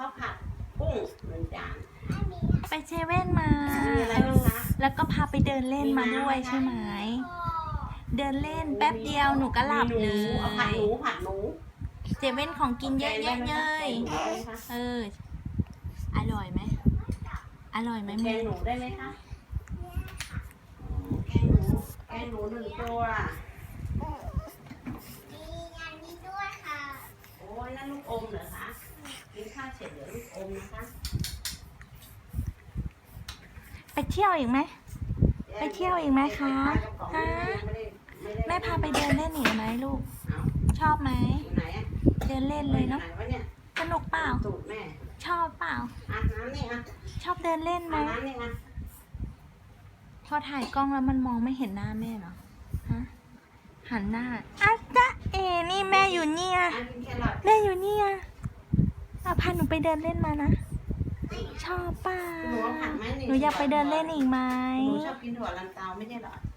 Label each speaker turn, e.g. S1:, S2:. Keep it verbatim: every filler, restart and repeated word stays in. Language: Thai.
S1: าวผัดกุ้งหนึ่งจาน
S2: ไปเซเว่นมา
S1: มีอะไร
S2: เอ
S1: บ้าง
S2: อ
S1: คะ
S2: แล้วก็พาไปเดินเล่นมาด้วยใช่ไหม เดินเล่นแป๊บเดียวหนูก็หลับเล
S1: มีหนูเอาผัด
S2: ย
S1: หนูผัดหนู
S2: เซเว่นของกินเยอะแยะเลย
S1: แกงหนูได้ไหมคะ
S2: เออ อร่อยไหม อร่อยไหม
S1: แก
S2: มึ
S1: ง
S2: ง
S1: หนูได้ไหมคะแกงหนูแกงหนูหนึ่งตัว
S3: มีอันนี้ด้วยค่ะ
S1: โอ้ยนั่นลูกอมเหรอคะกินข้าวเสร็จเดี๋ยวลูกอมนะคะ
S2: ไปเที่ยวอีกไหม ไปเที่ยวอีกไหมคะ
S1: ฮะ
S2: แม่พาไปเดินเล่นอีกไหมลูก
S1: เอา
S2: ชอบไหม
S1: อยู่ไหนอะ
S2: เดินเล่นเลยเนาะ
S1: ไหนวะเนี่ย
S2: สนุกเปล่า
S1: ตูดแม่
S2: ชอบเปล่า
S1: อ่ะน้ำนี่อ่ะ
S2: ชอบเดินเล่นไหม
S1: อ่ะน้ำนี่อ่ะ
S2: พอถ่ายกล้องแล้วมันมองไม่เห็นหน้าแม่เหรอ ฮะ หันหน้าอ่ะจ๊ะเอ๋นี่แม่อยู่เนี่ย
S1: อ่ะกินแครอท
S2: แม่อยู่เนี่ยอ่ะพาหนูไปเดินเล่นมานะ ชอบเปล่า
S1: หนูเอาผัดไหม
S2: หนูอยากไปเดินเล่นอีกไหม
S1: หนูชอบกินถั่วลันเตาไม่ใช่เหรอ